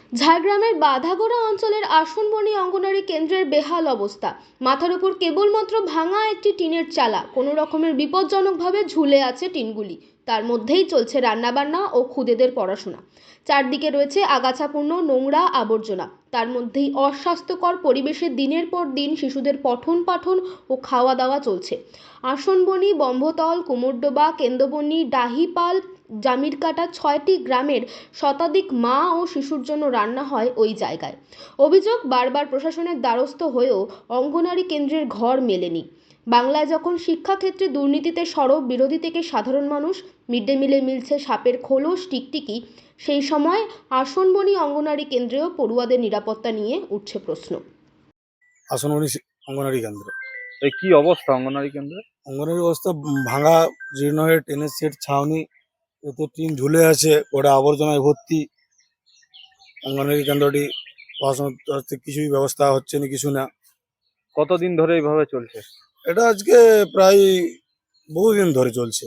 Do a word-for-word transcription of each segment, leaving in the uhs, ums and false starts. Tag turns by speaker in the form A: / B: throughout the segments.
A: ঝাড়গ্রামের বাঁধাগোড়া অঞ্চলের আসনবনি অঙ্গনারী কেন্দ্রের বেহাল অবস্থা। মাথার উপর কেবলমাত্র ভাঙা একটি টিনের চালা, কোনো রকমের বিপজ্জনকভাবে ঝুলে আছে টিনগুলি। তার মধ্যেই চলছে রান্নাবান্না ও খুদেদের পড়াশোনা। চারদিকে রয়েছে আগাছাপূর্ণ নোংরা আবর্জনা। তার মধ্যেই অস্বাস্থ্যকর পরিবেশে দিনের পর দিন শিশুদের পঠন পাঠন ও খাওয়া দাওয়া চলছে। আসনবনি, বম্ভতল, কুমোরডোবা, কেন্দ্রবনি, ডাহিপাল, জামিরকাটা ছয়টি গ্রামের শতাধিক মা ও শিশুর জন্য রান্না হয় ওই জায়গায়। অভিযোগ, বারবার প্রশাসনের দ্বারস্থ হয়েও অঙ্গনারী কেন্দ্রের ঘর মেলেনি। বাংলায় যখন শিক্ষাক্ষেত্রে দুর্নীতিতে সরব বিরোধী থেকে সাধারণ মানুষ, মিড ডে মিলে মিলছে সাপের খোলস টিকটিকি, সেই সময় আসনবনি অঙ্গনারী কেন্দ্রেও পড়ুয়াদের নিরাপত্তা নিয়ে উঠছে প্রশ্ন।
B: আসনবনি অঙ্গনারী কেন্দ্র
C: এই কি অবস্থা অঙ্গনারী কেন্দ্রে?
B: অঙ্গনারী অবস্থা ভাঙা জীর্ণ হয়ে টেনের সেট ছাউনি, এতে টিন ঝুলে আছে, ওটা আবর্জনায় ভর্তি। অঙ্গনারী কেন্দ্রটি পড়াশোনার তরফ থেকে কিছুই ব্যবস্থা হচ্ছে না, কিছু না।
C: কতদিন ধরে এইভাবে চলছে?
B: এটা আজকে প্রায় বহুদিন ধরে চলছে,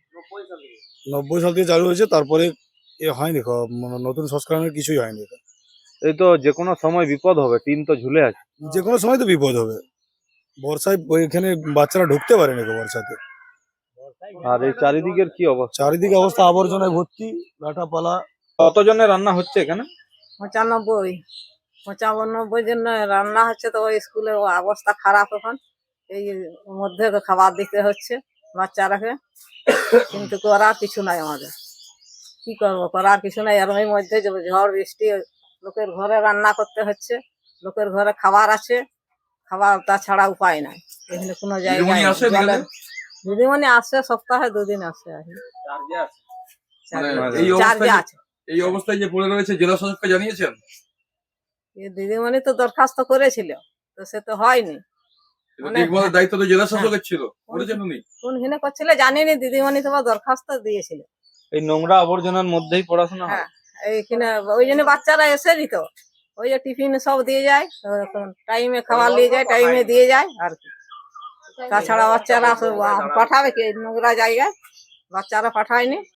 B: নব্বই সাল থেকে চালু হয়েছে, তারপরে এ হয়নি, খ- মানে নতুন সংস্করণের কিছুই হয়নি। এটা
C: এই তো যে কোনো সময় বিপদ হবে, টিন তো ঝুলে আছে।
B: যে কোনো সময় তো বিপদ হবে। বর্ষায় এখানে বাচ্চারা ঢুকতে পারে না বর্ষাতে।
C: আর এই চারিদিকের কি অবস্থা?
B: চারিদিকে অবস্থা আবর্জনায় ভর্তি, লাটাপালা।
C: কতজনের রান্না হচ্ছে এখানে?
D: পঁচানব্বই পঁচানব্বই জন রান্না হচ্ছে। তো ওই স্কুলের অবস্থা খারাপ এখন, এই মধ্যে খাবার দিতে হচ্ছে বাচ্চারাকে, কিন্তু করার কিছু নাই আমাদের। কি করবো, করার কিছু নাই। আর ওই মধ্যে যে ঝড় বৃষ্টি, লোকের ঘরে রান্না করতে হচ্ছে, লোকের ঘরে খাবার আছে, খাবার তাছাড়া উপায় নাই। এখানে কোনো জায়গায় জলের- দিদিমণি আসে, সপ্তাহে দুদিন আসে আর কি।
E: মানে
D: চার্জে
E: এই অবস্থায়
D: আছে।
E: এই অবস্থায় যে পড়ে রয়েছে, জেলা শাসককে জানিয়েছেন?
D: এই দিদিমণি তো দরখাস্ত করেছিল, তো সে তো হয়নি। অনেক-
E: দেখভালের দায়িত্ব তো জেলা শাসকের ছিল, করেছেন উনি?
D: কোন হিনে করছিল জানিনি, দিদিমণি তোমার দরখাস্ত দিয়েছিল।
C: এই নোংরা আবর্জনার মধ্যেই পড়াশোনা হয়?
D: হ্যাঁ, এইখানে ওই জন্য বাচ্চারা এসে দিত, ওই যে টিফিন সব দিয়ে যায়, টাইমে খাবার নিয়ে যায়, টাইমে দিয়ে যায় আর কি। তাছাড়া বাচ্চারা সব পাঠাবে কি নোংরা জায়গায়? বাচ্চারা পাঠায়নি।